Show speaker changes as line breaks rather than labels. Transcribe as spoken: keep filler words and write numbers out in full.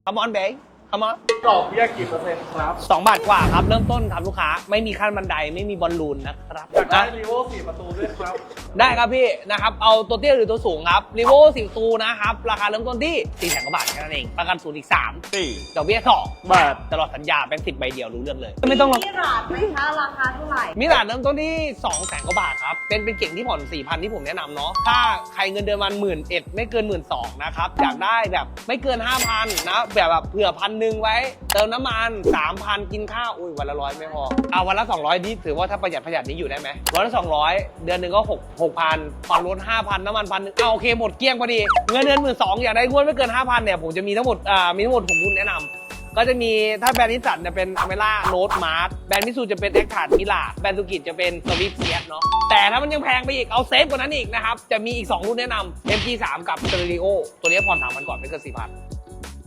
Come on babe Come on
ดอกเบี้ยกี่เปอร์เซ็นต์ครับ
สองบาทกว่าครับเริ่มต้นครับลูกค้าไม่มีขั้นบันไดไม่มีบอลลูนนะครับ
อยากได้
นะ
รีโวสี่ประตูด้วยครับ
ได้ครับพี่นะครับเอาตัวเตี้ยหรือตัวสูงครับรีโวสี่ประตูนะครับราคาเริ่มต้นที่สี่แสนกว่าบาทแค่นั้นเองประกันศูนย์อีกสาม
สี่
ดอกเบี้ยสอง
บาท
ตลอดสัญญาแบงค์สิบใบเดียวรู้เรื่องเลยไม่ต้อง
มีราดไหมคะราคาเท่าไหร่
มิลานเริ่มต้นที่สองแสนกว่าบาทครับเป็นเป็นเก่งที่ผ่อนสี่พันที่ผมแนะนำเนาะถ้าใครเงินเดือนวันหมื่นเอ็ดไม่เกินหมื่นสองนะครับอยากได้แบบไม่เกินห้าพันนะแบบแบบเผื่อพันหนึ่งไว้เติมน้ำมันสามพันกินข้าวอุ้ยวันละร้อยไม่พอเอาวันละสองร้อยนี่ถือว่าถ้าประหยัดประหยัดนี้อยู่ได้ไหมวันละสองร้อยเดือนหนึ่งก็หกหกพันผ่อนรถห้าพันน้ำมันพันหนึ่งเอาโอเคหมดเกลี้ยงพอดีเงินเดือนหมื่นสองอยากได้งวดไม่เกินห้าพันเนี่ยผมจะมีทั้งหมดอ่ามีทั้งหมดผมรุ่นแนะนำก็จะมีถ้าแบรนด์นิสสันจะเป็นอเมร่าโรดมาร์ทแบรนด์มิซูจะเป็นเอ็กทาร์ดมิลาแบรนด์ซูกิจะเป็นสวิฟเซียสเนาะแต่ถ้ามันยังแพงไปอีกเอาเซฟกว่านั้นอีกนะครับจะมีอีกสองรุ่นแนะนำ เอ็ม จี สาม กับ Stereo ตัวนี้ผ่อนสามพันก่อนไม่เกินสี่พัน